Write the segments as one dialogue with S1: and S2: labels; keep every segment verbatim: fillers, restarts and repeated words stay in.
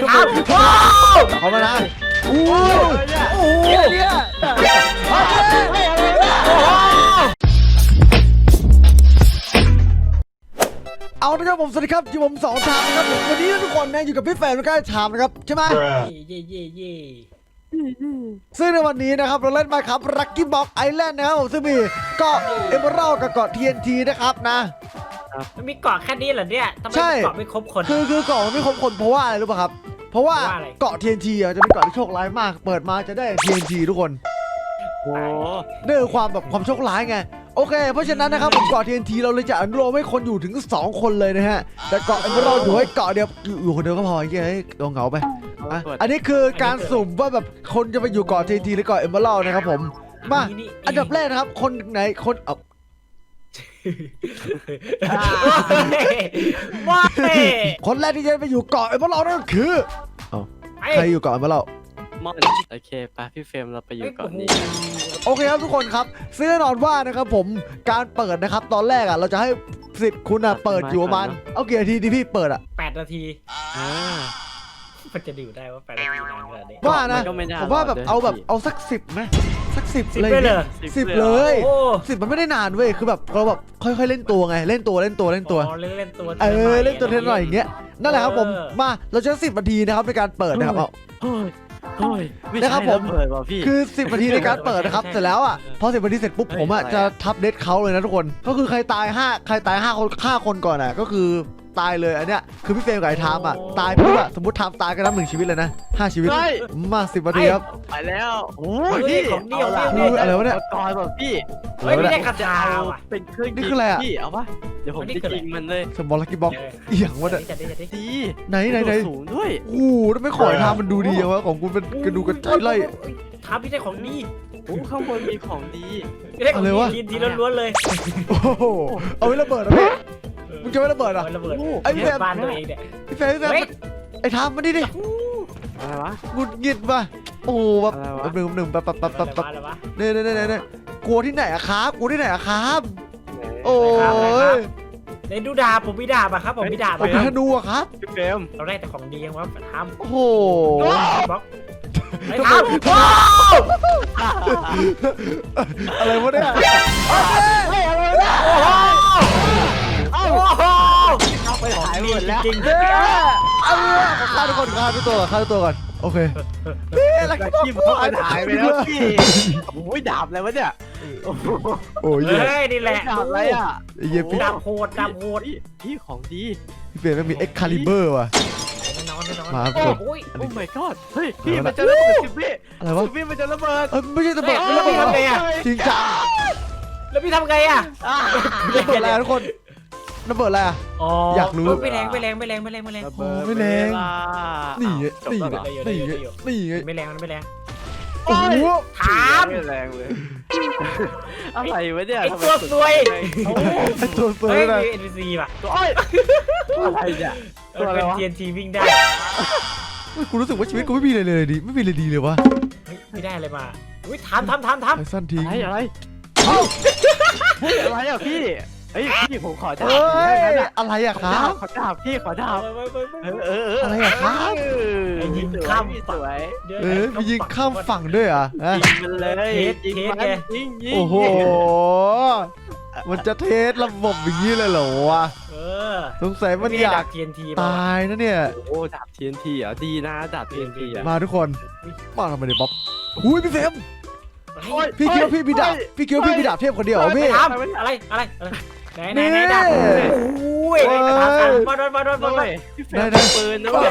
S1: ทำ
S2: เขามานะอู้โอ้โหเนี่ยเอาละครับผมสวัสดีครับอยู่ผมสองทางนะครับวันนี้ทุกคนนะอยู่กับพี่แฟนแล้วก็ชามนะครับใช่ไหม
S1: เย่เย่เย่
S2: ซึ่งในวันนี้นะครับเราเล่นมาครับลัคกี้บ็อกไอแลนด์นะครับผมซึ่งมีเกาะเอเมอรัลด์กับเกาะ ที เอ็น ที นะครับนะ
S1: มันมีเกาะแค่นี้เหรอเนี่ยทำไมเกาะไม่ครบคน
S2: คือคือเกาะมันไม่ครบคนเพราะว่าอะไรรู้ป่ะครับเพราะว่าเกาะ ที เอ็น ที อ่ะจะเป็นเกาะที่โชคร้ายมากเปิดมาจะได้ ที เอ็น ที ทุกคนโอ้นี่คือความแบบความโชคร้ายไงโอเคเพราะฉะนั้นนะครับผมเกาะ ที เอ็น ที เราเลยจะอนุโลมให้คนอยู่ถึงสองคนเลยนะฮะแต่เกาะเอเมอรัลด์อยู่ให้เกาะเดียวอยู่คนเดียวก็พอไอ้เหี้ยตัวเหงาไปอันนี้คือการสุ่มว่าแบบคนจะไปอยู่เกาะ ที เอ็น ที หรือเกาะเอเมอรัลด์นะครับผมมาอันดับแรกนะครับคนไหนคนเออ
S1: ว้า
S2: คนแรกที่จะไปอยู่เกาะเอเมอรัลด์นั่นก็คือใครอยู่เกาะเอเมอรัลด์
S3: มอนโอเคไปพี่เฟรมเราไปอยู่เกาะนี้
S2: โอเคครับทุกคนครับซึ่งแน่นอนว่านะครับผมการเปิดนะครับตอนแรกอ่ะเราจะให้สิทธิ์คุณอ่ะเปิดอยู่ประมาณเอากี่นาทีที่พี่เปิดอ่ะ
S1: แปดนาทีมันจะดื่มได้ว่าแปดนาทีนานขนาดนี้
S2: ว่านะผมว่าแบบเอาแบบเอาสักสิบไหมสักสิบเลยสิบเลยสิบมันไม่ได้นานเว้ยคือแบบเราแบบค่อยๆเล่นตัวไงเล่นตัวเล่นตัวเล่นตัว
S1: เล่นตัว
S2: เออเล่นตัวเท่าไหร่อย่างเงี้ยนั่นแหละครับผมมาเราจะสิบนาทีนะครับในการเปิดนะครับเอานะครับผมคือสิบนาทีในการเปิดนะครับเสร็จแล้วอ่ะพอสิบนาทีเสร็จปุ๊บผมอ่ะจะทับเดทเขาเลยนะทุกคนก็คือใครตายห้าใครตายห้าคนฆ่าคนก่อนอ่ะก็คือตายเลยอันเนี้ยคือพี่เฟรมกับไอ้ทามอ่ะตายปุ๊บอ่ะสมมติทามตายก็นับหนึ่งชีวิตเลยนะห้าชีวิตมาสิบนาทีครับ
S3: ไปแล้วโอ้
S1: ยพี่ของเดียว
S2: คืออะไรวะเนี่ย
S3: ก่อนแบบพี่
S1: เฮ้ยไม่ได้กระจาย
S3: เป็นเครื่อง
S2: นี่คืออะไรอ่ะ
S3: พี่เอาปะเดี๋ยวผมจะยิงมันเลย
S2: สมอลลักกี้บ็อกเอียงวะเนี่ย
S3: ดี
S2: ไหนไหนไหน
S3: สูงด้วย
S2: โอ้โหทำไมขอยทามมันดูดีวะของคุณเป็นกระดูกกระจายไล่
S1: ทามพี่ได้ของดี
S3: โอ้ข้างบนมีของดี
S1: อะไรวะทีทีล้วนๆเลย
S2: โอ้โหเอาไว้ระเบิดนะพี่มึงจะไม่ระเบิดอ่ะ
S1: ระเบิด
S2: ไอ้พี่แฟม
S1: บ้านตัวเองเนี่ย
S2: พี่แฟมพี่แฟมไอ้ทามมาดิดิ
S3: อะไรวะ
S2: งุดหงิดป่ะโอ้แบบหนึ่งหนึ่งแบบแบบแบบแบบเนี่ยเนี่ยเนี่ยเนี่ยกลัวที่ไหนอะครับกลัวที่ไหนอะครับโอ้ย
S1: ในดูดาบผมมีดาบอะครับผมมีดาบ
S2: ผมมีธนูอะครับ
S3: พี่เฟรม
S1: เราได้แต่ของดีว่าทำ
S2: โอ้โห
S1: บล็อกไอ้ทำ
S2: อะไรวะเนี่ย
S1: โอ้โห
S3: ไปหายหมดแล้ว
S1: จริง
S2: เออฆ่าทุกคนฆ่าทุกตัวฆ่าทุกตัวก่อนโอเค
S3: นี่อะไรกันที่มันหายไปแล้วพี่โอ้ยดาบอะไรวะเนี่ย
S2: โอ้ย
S1: เฮ้ยนี่แหละ
S3: ดาบอะไรอ่ะ
S2: เยี่ยพี่
S1: ดาบโหดดาบโหด
S3: พี่ของดี
S2: พี่เฟรมมันมีเอ็กคาลิเบอร์ว่ะ
S1: มาโอ้ย
S3: โอ้ my god เฮ้ยพี่มันจะระเบิดสิพี่
S2: อะไรวะ
S3: พี่มันจะระเบิด
S2: เออไม่ใช่ระเบิด
S1: แล้วพี่ทำไงอ่ะ
S2: จริงจัง
S1: แล้วพี่ทำไงอ่ะ
S2: ระเบิดอะไรทุกคนระเบิดอะไรอ่ะอยากรู้
S1: ไม่แรงไม่แรงไม่แรงไม่แรงไม่แรง
S2: ไม่แรงนี่ไงนี่ไงนี่ไงนี่ไง
S1: ไม่แรงไม่แรง
S2: โอ้โห
S1: ถาม
S3: ไม่แรงเลยอะไรวะเนี่ย
S1: ไอ้ตัวซวย
S2: ไอ้ตัวซวย
S1: นะเอ็นพีซีป่ะ
S3: ตัวอ้อยอะไรเนี่ย
S1: ตัวอะไรวะ ที เอ็น ที วิ่งได้
S2: กูรู้สึกว่าชีวิตกูไม่มีอะไรเลยดิไม่มีอะไรดีเลยวะ
S1: ไม่ได้อะไรมาอุ้ยทำทำทำทำ
S2: ไอ้สั้นทิ้ง
S3: อะไรอะไรอะไรอ่ะพี่เฮ้ยพี่ผมขอดาบ
S2: อะไรอะครับ
S3: ขอดาบพี่ขอดาบเออเออ
S2: อะไรอะครับ
S1: ยิงข้าม
S3: สวย
S2: เออมียิงข้ามฝั่งด้วยอ่ะ
S3: ยิงมันเลยยิงมันยิงยิง
S2: โอ้โหมันจะเทสระบบอย่างนี้เลยเหรอวะ
S1: เออ
S2: สงสัยมันอยากตายนะเนี่ย
S3: โอ้ดาบ ที เอ็น ที อ่ะดีนะดาบ ที เอ็น ที อ่ะ
S2: มาทุกคนมาทำไมเนี่ยบ๊อบหุ้ยพี่เฟมพี่คิดว่าพี่มีดาบพี่คิดว่าพี่มีดาบเทพคนเดียวเหรอพี่
S1: อะไรอะไรไหนไหนไหนดาบโอ้ยมาโดนมาโดนมาโดน
S3: พี่เฟรมปืนนะเว้ย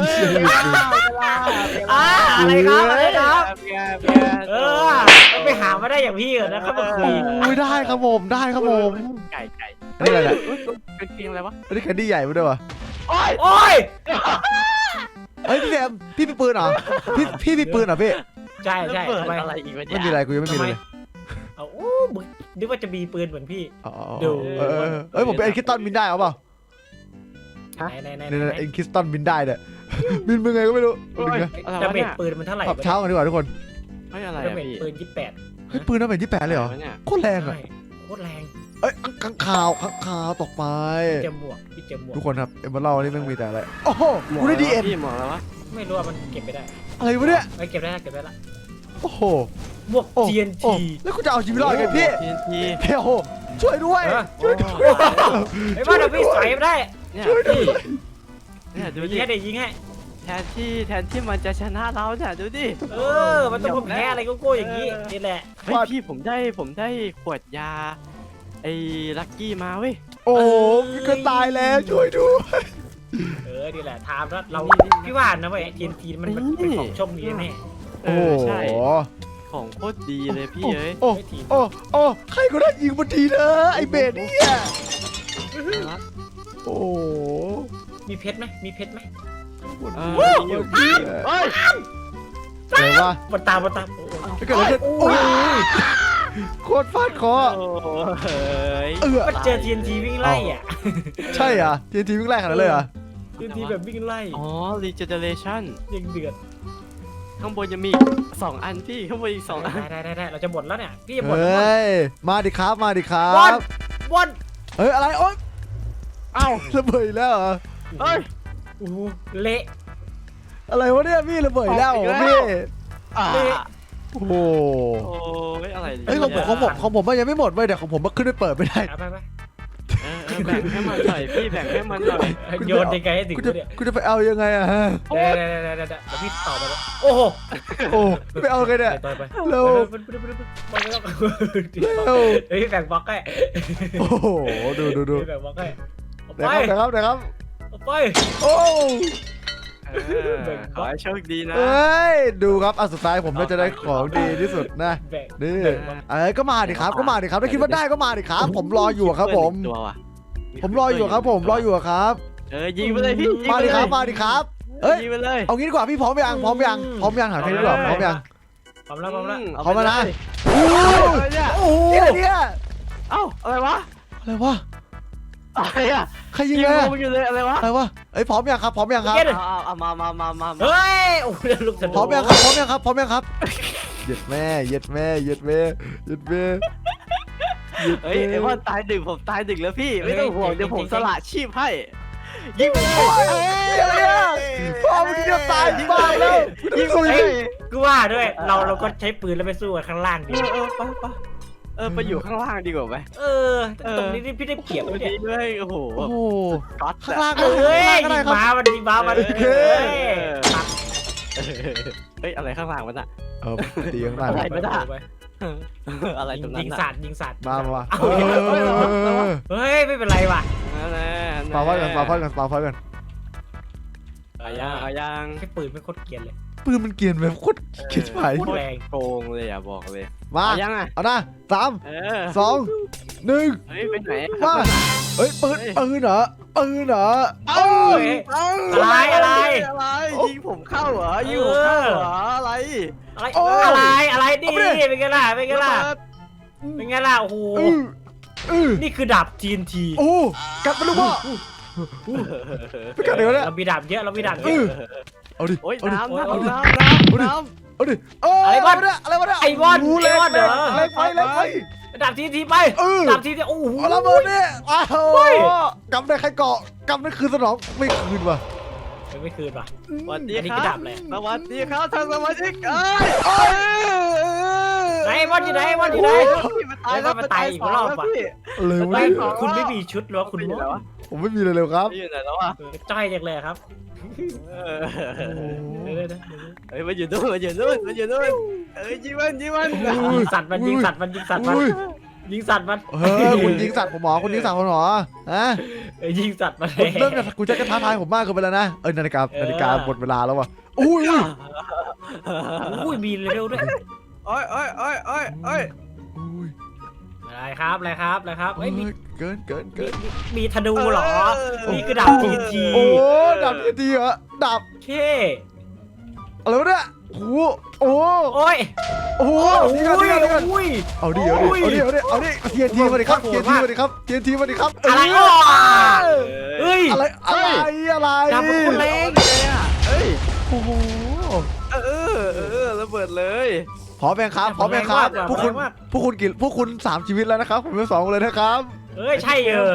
S1: อะไรครับอะไรครับเออไปหามาได้อย่างพี่เหรอนะครับมาคุย
S2: ได้ครับผมได้ครับผม
S3: ไก่ไก่
S2: นี่อะไร
S3: เป็นเพียงอะไรวะ
S2: อันนี้แคนดี้ใหญ่มาด้วยวะ
S1: โอ้ยโอ้ย
S2: เฮ้ยพี่แซมพี่มีปืนเหรอพี่พี่มีปืนเหรอพี่
S1: ใช่ใช่
S3: อะไรอีกวะ
S2: ไม่มีอะไรกูยังไม่มีเลย
S1: เอาโอ้มึงนึกว่าจะมีปืนเหมือนพี่
S2: ดูเอ้ยผมเป็นเอ็นคิสตันบินได้เอาเปล่า
S1: ไหนไหน
S2: ไหนเอ็นคิสตันบินได้เนี่ยบินเป็นไงก็ไม่รู้
S1: จะเบ็ดปืนมันเท่าไหร่
S2: ปรับเช้ากันดีกว่าทุกคน
S3: ไม่อะไร
S1: จะเบ็ดปืนยี่สิบแปด
S2: เฮ้ยปืนน่าเป็นยี่สิบแปดเลยเหรอโคตรแรงอ่ะ
S1: โคตรแรง
S2: เอ้ยข้างข่าวข้างข่าวตกไป
S1: พี่เจมบวกพี่เจมบวก
S2: ทุกคนครับเอ็มเบอร์เล่านี่แม่งมีแต่อะไรโอ้โหกูได้ดีเอ็น
S3: พี่หมอแล้ววะ
S1: ไม่รู้ว่ามันเก็บไปได้
S2: อะไรวะเนี่ย
S1: ไม่เก็บได้เก็บได้ละ
S2: โอ้โห
S1: บวก
S2: โอ้
S1: ที เอ็น
S2: โอ้
S1: ที
S2: แล้วคุณจะเอาชีวิตรอดไงพี่
S3: ทีนที
S2: เฮ้ยโอ้โหช่วยด้วย
S1: เออ
S2: ช่วยด้วย
S1: ไอ้บ้านเราพี่ใส่ไม่ได้
S3: เนี่ย
S2: ช่วยด้ว
S3: พี่
S2: ย
S3: เนี่ยดู
S1: ยิ
S3: ดิ
S1: งให้เดี๋ยวยิงให้
S3: แทนที่แทนที่มันจะชนะเราเนี่ยดูดิ
S1: เออ มันต้องแพ้อะไรโก้ๆอย่างนี้นี่แหละ
S3: เฮ้ยพี่ผมได้ผมได้ขวดยาไอ้ลักกี้มาเว้ย
S2: โอ้โหพี่ก็ตายแล้วช่วยด้วย
S1: เออนี่แหละทามแล้วเราพี่ว่านะเว้ยทีเอ็นทีมันมันเป็นของโชคดีแน่
S3: เอ
S2: โอ้
S3: อ
S2: โห
S3: ใช่ของโคตรดีเลยพี่เอ้ย
S2: โอ้โอ้โอ้ใครก็ได้ยิงมาทีเถอะไอเบสเนี่ยโอ้โห
S1: มีเพชรไหมมีเพชรไหม
S3: เอออยู่พี่เฮ้ย
S2: อะไรวะ
S1: บนตามบนตามโอ้โห
S2: ไม่เกิดอะไรขึ้นโอ้ยโคตรฟาดคอ
S3: โอ้ย
S2: เออ
S1: มันเจอ ที เอ็น ที วิ่งไล่อ่ะ
S2: ใช่เหรอ่ะทีทีวิ่งไล่ขนาดนั้นเลยเหรอ
S1: ที เอ็น ที แบบวิ่งไล่
S3: อ๋อ regeneration
S1: ยังเดือด
S3: ข้างบนจะมีสองอันพี่ข้างบนอีกสองอัน
S1: ได้ได้ได้เราจะหมดแล้วเนี่ยพี่จะหม
S2: เฮ
S1: ดแล้ว
S2: ้ยมาดิครับมาดิครั
S1: บอล
S2: บบ
S1: อล
S2: เฮ้ยอะไรโอ๊ย
S3: เอ้า
S2: ระเบิดอีกแล้วเหรอ
S3: เฮ้ย
S1: โอ้โหเละ
S2: อะไรวะเนี่ยพี่ระเบิดอีกแล้วเหรอ
S3: อีกแล้ว
S2: พี่
S3: อ่า
S2: โอ้โห
S3: โอ้ยอะไร
S2: เฮ้ยของผมของผมของผมมันยังไม่หมดเว้ยเดี๋ยวของผมมันขึ้นไปเปิดไม่ได้
S1: เอาไปไป
S3: เออเออแบ่งให้มันหน่อยพี่แบ่งให้มันหน่อย
S1: โยนยังไงให้ถึง
S2: กูจะ
S1: เนี่ย
S2: กูจะไปเอายังไงอะฮะ
S1: เดี๋ยวเดี๋ยวเดี๋ยวเดี๋ยวเดี๋ยวพี่ต่อไปแล้วโอ้โห
S2: โอ้ไปเอาไงเนี่ย
S1: ต่อไป
S2: เร็ว
S1: ไปไปไปไปไปไปแล้ว
S2: เร็ว
S1: เฮ้ยแบ่งบล็อกให้
S2: โอ้โหดูดูดู
S1: แบ่งบล็อกให้เอา
S2: เดี๋ยว
S1: ไป
S2: ครับเดี๋ยวครับเดี๋ยวครับ
S1: เอาไป
S2: โอ้
S3: เออขอให้โชคดีนะ
S2: เอ้ยดูครับอันสุดท้ายผมน่าจะได้ของดีที่สุดนะ
S1: แบ่ง
S2: นี่
S1: แบ่งบล็อก
S2: เอ้ยก็มาดิครับก็มาดิครับถ้าคิดว่าได้ก็มาดิครับ ผมรออยู่ครับผม
S3: ตัวว่ะ
S2: ผมรออยู่ครับผมรออยู่ครับ
S3: เออยิงไปเลยพี่ยิง
S2: มา
S3: ไป
S2: ดิ
S3: เลย
S2: ครับมาดิครับเอ้ย
S3: ยิงไปเลย
S2: เอางี้ดีกว่าพี่พร้อมยังพร้อมยังพร้อมยังหาเพลงดีกว่าพร้อมยัง
S1: พร้อมแล้วพร้อมแล้ว
S3: เอ
S2: พร้อมแล้วนะ
S3: ไปเลย
S2: โอ้
S3: อะไรเนี่ย
S1: โอ้โห
S2: เนี่ยเนี่ย
S3: เอ้าอะไรวะ
S2: อะไรวะ
S3: อะไรอ่ะ
S2: ใครยิ
S3: ยิ
S2: ง
S3: ง
S2: เลย
S3: ลงอยู่เลยอะไรวะ
S2: อะไรวะเอ้ยพร้อมยังครับพร้อมยังครับ
S3: เอาเอาเอามามามามามา
S1: เฮ้ยโอ้โหเดี๋ยวลูกสะดุ้ง
S2: พร้อมยังครับพร้อมยังครับพร้อมยังครับเหยียดแม่เหยียดแม่เหยียดแม่เหยียดแม่เหยียด
S3: เฮ้ยไอ้
S2: แม่
S3: ว่าตายดึกผมตายดึกแล้วพี่ไม่ต้องห่วงเดี๋ยวผมสละชีพให้ยิงไปเลย
S2: เอ้ยอะไรอ่ะพ่อมึงจะตายบ้าแล้วยิง
S1: เฮ้ยกูว่าด้วย เราเราก็ใช้ปืนแล้วไปสู้กันข้างล่างดี
S3: เออเออไปไปเออไปอยู่ข้างล่างดีกว่าไหม
S1: เออตรงนี้นี่พี่ได้เปรียบเลยเนี่ย
S3: ดีด้วยโอ้โห
S2: โอ้โห
S3: ก๊อต
S2: ข้างล่าง
S1: เอ้ย
S2: ข้าง
S1: ยิ
S2: ล่าง
S1: ง
S2: ก็ได้ครับ
S1: ม้ามันยิงม้ามัน
S2: เฮ้
S1: เฮ้
S2: ย
S1: ย
S3: เฮ้ยอะไรข้างล่างมันอะ
S2: เออตีข้างล่าง
S3: อะไร
S1: ไปไป
S3: อะไรตรงนั้
S1: ยิ
S3: น
S1: ง
S3: อะ
S1: สัตว์ยิงสัตว์
S2: มามามา
S1: เอา
S2: เออ
S1: เฮ้ยไม่เป็นไรว่ะ
S3: นั่นแหละ
S2: ปาพอดกันปาพอดกันปาพอดกัน
S3: เอายังเอายัง
S1: แค่ปืนไม่โคตรเกรียนเลย
S2: ปืนมันเกรียนแบบโคตรเกรียนไป
S1: โคตรแรง
S3: โกงเลยอ่ะบอกเลย
S2: มา
S3: เอายังอ่ะ
S2: เอานะสาม
S3: เออ
S2: สองหนึ่ง
S3: เฮ้ยไปไหน
S2: มาเฮ้ยปืนปืนเหรอปืนเหรอ
S3: เอ้า
S1: เฮ้ย อะไรอะไร
S3: อะไรยิงผมเข้าเหรอยิงผมเข้าเหรออะไร
S1: อะไรอะไรอะไรดิเป็นไงล่ะเป็นไงล่ะ
S3: ระเบิด
S1: เป็นไงล่ะโอ้โห
S2: อืออือ
S1: นี่คือดาบ ที เอ็น ที
S2: โอ้กัดไปลูกพ่อไปกัดเดี๋ยวเนี่ย
S1: เรามีดาบเยอะเรามีดาบเย
S2: อือ
S1: อะ
S2: เอาดิ
S3: โอ้ย
S2: เอาดิ
S3: น้ำ
S2: เอาดิ
S3: น้ำน้ำน้ำน้ำ
S2: เอาดิเออ
S1: อะไร
S2: อะไร
S1: วะ
S2: วะเนี่ยอะไรวะเนี่ย
S1: ไอ้บอล
S2: โโห
S1: ไอ้บอลเหรอ
S2: เล็กไปเล็กไป
S1: ดาบ ที เอ็น ทีไป
S2: เออ
S1: ดาบ ที เอ็น ทีโอ้โห
S2: เอาระเบิดเนี่ยอ้าว
S1: เฮ้ย
S2: กำได้ใครเกาะกำได้คืนสนองไม่คืนว่ะ
S1: ไม่คืนป่ะ
S3: สวัสดี
S1: อันนี้
S3: ค
S1: คือ
S3: รั
S1: ดา
S3: บบ
S1: อะไร
S3: สวัสดีครับท่านสมาชิกเอ้ย
S1: ไหนบอลอยู่ไหนบอลอยู่ไหน
S3: มันตายแล้ว
S1: มันตายอีกรอบอะ
S3: พี่
S2: อะไรวะ
S1: ไม่
S2: เนี่ย
S1: คุณไม่มีชุดหรอคุณ
S3: ไม่อยู่ไหนวะ
S2: ผมไม่มีเลยเลยครับ
S3: ไม่อยู่ไหนแล้วอ่ะ
S1: เออจ้อยจังเลยครับ
S3: เออ
S1: เดี๋ยวๆ
S3: เฮ้ยมันอยู่นู่นมันอยู่นู่นมันอยู่นู่นเอ้ยยิงมันยิงมัน
S1: ๆยิงสัตว์มันยิงสัตว์มันยิงสัตว์มัน
S2: อุ้ย
S1: ยิงสัตว์มัน
S2: เฮ้ยคุณยิงสัตว์ผมหมอคุณยิงสัตว์ผมหมอฮะ
S1: เออยิงสัตว์มัน
S2: คุณเริ่มจากคุณจะกระท้าทายผมมากเกินไปแล้วนะเออนาฬิกานาฬิกาหมดเวลาแล้วว่ะอุ้ยอุ้ย
S1: อุ้ยมีเลเวลด้วย
S3: โอ้ยโอ้ยโอ้ยโอ้ยโอ้ย
S2: อุ้ย
S1: อะไรครับอะไรครับอะไรครับ
S2: เฮ้
S1: เฮ้
S2: ย
S1: ยมี
S2: เกินเกิน
S1: มี
S2: เกิน
S1: มีมีธนูเหรอ นี่คือดาบ ที เอ็น ที
S2: โอ้ดาบทีทีเหรอดาบ
S1: เค
S2: อะไรวะเนี่ยโอ้โอ้
S1: โอ้ย
S2: โอ้
S1: โอ้
S2: นี่กันนี่กันนี่กัน
S1: อุ้ย
S2: เอาดิเอาดิเอาดิเอาดิเอาดิทีนทีมาดิครับทีนทีมาดิครับทีนทีมาดิครับ
S1: อะไร
S2: เ
S1: อ่ะเฮ้ย
S2: อะไรอะไรอะไร
S1: ดาบมันคนแรง
S3: เฮ้ย
S2: โอ้โห
S3: เออเออระเบิดเลย
S2: พร้อมไหมครับพร้อมไหมครับ
S1: แรงมาก
S2: พวกคุณ
S1: แรงมาก
S2: พวกคุณกี่พวกคุณสามชีวิตแล้วนะครับผมเป็นสองเลยนะครับ
S1: เอ้ยใช่เออ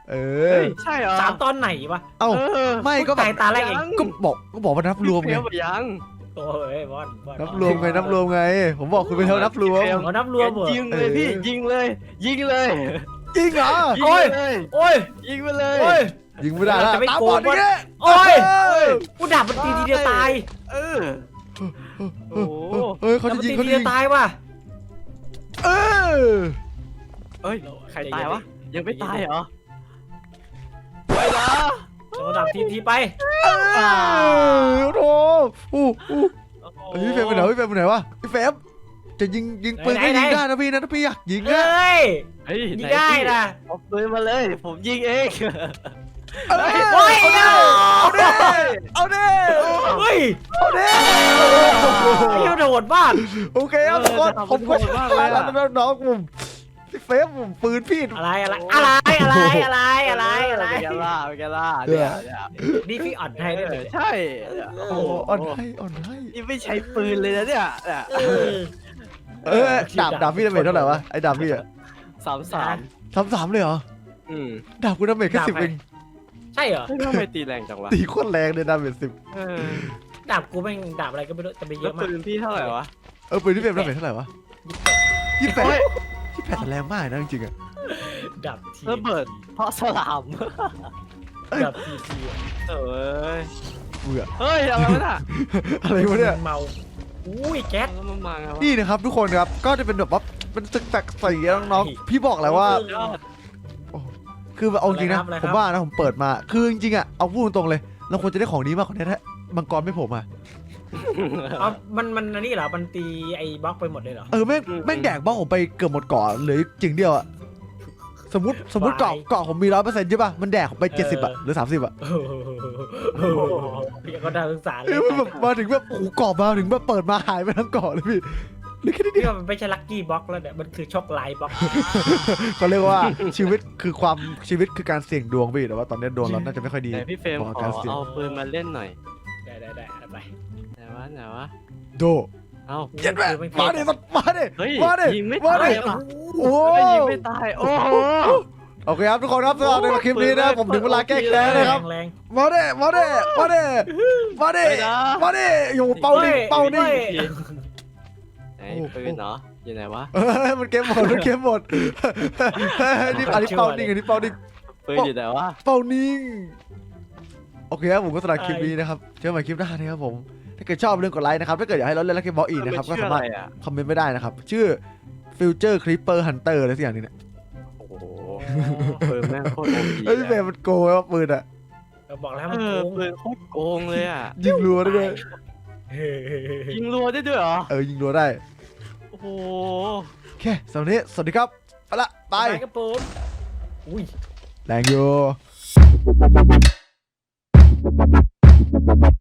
S2: เอ
S3: เฮ้
S2: อย
S3: ใช่เหรอ
S1: สามตอนไหนวะ
S2: เอ้า
S3: เออ
S2: ไม่ก็แบ
S1: ตาย
S2: บ
S1: ตาแรกเอง
S2: ก็บอกก็บอกว่านับรวมไง
S3: เฟลไปยัง
S1: โอ้ยบอลบอล
S2: นับรวมไงนับรวมไง ผมบอกคุณไปเท่านับรวม
S1: เขานับรวมเหรอ
S3: ยิงเลยพี่ยิงเลยยิงเลย
S2: จริงเหรอ
S3: ยิง
S1: โอ้ย
S3: เลย
S1: โอ้ย
S3: ยิงไปเลย
S1: โอ้ย
S2: ยิงไม่ได้แล้ว
S1: จะไม่
S2: ตา
S1: โก
S2: บ
S1: ง
S2: อดอย่างเงี้ย
S1: โอ้ย
S2: เฮ้ย
S1: กูดับมันตีทีเดียวตาย
S3: เออโอ้โห
S2: เฮ้ยเขา
S1: ดับ
S2: จะ
S1: มัน ตีทีเดี
S2: ยิงเขาจะยิ
S1: ยว
S2: ง
S1: ตายว่ะ
S2: เออ
S3: เอ้ยใครตายวะยังไม่ตายเหรอไปนะ
S1: เราดับทีทีไป
S2: เออโอ้โหอู้อู้เฮ้ยพี่เฟรมไปไหนพี่เฟรมไปไหนวะพี่เฟรมจะยิงยิงปืนก็ยิงได้นะพี่นะถ้าพี่อยากยิง
S1: เฮ
S2: อะ
S1: ้ย
S3: เฮ้ย
S1: ยิงได้นะ
S3: เอาปืนมาเลย ผมยิงเอง
S2: เอ้ย
S1: โอ้ย
S2: เอาดิเอาดิ
S1: เฮ้ย
S2: เอาดิ
S1: ไอ้เหี้ยโดดบ้าน
S2: โอเคครับทุกคนผมก็ชนะแล้วน้องผมพี่เฟรมผมปืนพี่
S1: อะไรอะไรอะไรอะไรอะไรอะไรอะไร
S3: เป็นไงล่ะเป็นไงล่ะเนี่ยเนี่ย
S1: นี่พี่อ่อนให้ด้วยเลย
S3: ใช่โอ้
S2: โอ้
S3: โห
S2: อ่อนให้อ่อนให้
S3: นี่ไม่ใช้ปืนเลยนะเนี่ยเนี่ย
S1: เออ
S2: เออดาบดาบพี่ดาเมจเท่าไหร่วะไอ้ดาบพี่อะ
S3: สามสาม
S2: สามสามเลยเหรอ
S3: อืม
S2: ดาบกูดาเมจแค่สิบเอง
S1: ใช่เหรอ
S3: เฮ้ยทำไมตีแรงจังวะ
S2: ตีโคตรแรงเลยดาเมจสิบ
S3: เออ
S1: ดาบกูแม่งดาบอะไรก็ไม่รู้แต่ไปเย
S3: แล้ว
S1: อะมาก
S3: ปืนพี่เท่าไหร่วะ
S2: เออปืนที่เฟรมดาเมจเท่าไหร่วะยี่สิบแปดยี่สิบแปดแต่แรงมากนะจริงๆอะ
S1: ดาบที
S3: ระเบิดเพราะสลาม
S1: ดาบทีที
S3: เอ้ย
S2: เบื่อ
S3: เฮ้ยอะไรวะน่ะ
S2: อะไรวะเนี่ย
S1: เมาอุ้ยแก๊ส
S3: แล้วมันมาไงวะ
S2: นี่นะครับทุกคนครับก็จะเป็นแบบว่าเป็นตึกตักใส่น้องๆพี่บอกแล้วว่า
S3: ยอด
S2: คือเอาจริงนะผมว่านะผมเปิดมาคือจริงๆอะเอาพูดตรงๆเลยเราควรจะได้ของนี้มากกว่านี้ถ้ามังกรไม่ผมอะ
S1: เอามันมันอันนี้เหรอมันตีไอ้บล็อกไปหมดเลยเหรอ
S2: เออแม่งแม่งแดกบ้าผมไปเกือบหมดเกาะเหลือจริงเดียวอะสมมติสมมติเกาะเกาะผมมีร้อยเปอร์เซ็นต์ใช่ป่ะมันแดกผมไปเจ็ดสิบอะหรือสามสิบอะ
S1: โอ้โหพี่ก็ได้ศึกษาเล
S2: เอย อมันแบบมาถึงแบบโอ้โหเกาะมาถึงแบบเปิดมาหายไปทั้งเกาะเลยพี่เหลือแค่นี้
S1: พี่ว่ามันไม่ใช่ลัคกี้บล็อกแล้วเนี่ยมันคือช็อกไลท์บล็อก
S2: เขาเรียกว่าชีวิตคือความชีวิตคือการเสี่ยงดวงพี่แต่ว่าตอนนี้ดวงเราน่าจะไม่ค่อยดี
S3: ไหนพี่เฟรม
S2: บอก
S3: ขอ
S2: การเสี่ยง
S3: เอาปืนมาเล่นหน่อย
S1: ได้ได้ได้เอาไป
S3: ไหนวะไหนวะ
S2: โด
S3: เอ้า
S2: เย็นแม่มาดิมาดิ
S3: เฮ้ย
S2: มาดิ
S3: ยิงไม่
S2: มา
S3: ตาย
S2: ดิ
S3: ว่ะ
S2: โอ้
S3: เฮ้ยยิงไม่ตายโอ้โห
S2: โอเคครับทุกคนครับสำหรับในคลิปนี้นะผมถึงเวลาแก้แค้น
S1: แร
S2: นะครับ
S1: งแรง
S2: มาดิมาดิมาดิมาดิ
S3: ไปนะ
S2: มาดิอยู่เป้านิ่งเป้านิ่ง
S3: ไหนปืนเนาะอยู่ไหนวะ
S2: เฮ้ยมันเกมหมดมันเกมหมดเฮ้ยนี่อันนี้เป้านิ่งอันนี้เป้านิ่ง
S3: ปืนอยู่ไหนวะ
S2: เป้านิ่งโอเคครับผมก็สำหรับคลิปนี้นะครับเจอกันใหม่คลิปหน้านะครับผมถ้าเกิดชอบเรื่องกดไลค์นะครับถ้าเกิดอยากให้เราเล่นลักเกมบอลอีกนะครับก็
S3: ชื่อ
S2: สา
S3: อะ
S2: มารถ
S3: ไรอ่ะ
S2: คอมเมนต์ไม่ได้นะครับชื่อ Future Creeper Hunter อะไรสักอย่างหนึงเนี่ย
S3: โอ้โหปืนแม่งโคตรโอพี
S2: เฮ้ยพี่เบย์มันโกงไว้ว่าปืนอะ
S1: เราบอกแล้ว
S3: เอ
S1: มัน
S3: อ
S1: โกง
S3: ปืนโคตรโกงเลยอ่ะ
S2: ยิงรัวได้ด้วย
S3: ยิงรัวได้ด้วยเหรอ
S2: เออยิงรัวได้
S3: โอ้โห
S2: โอเคสำหรับวันนี้สวัสดีครับไปละไป
S1: ไปกระปุกอุ้ย
S2: แรงอยู่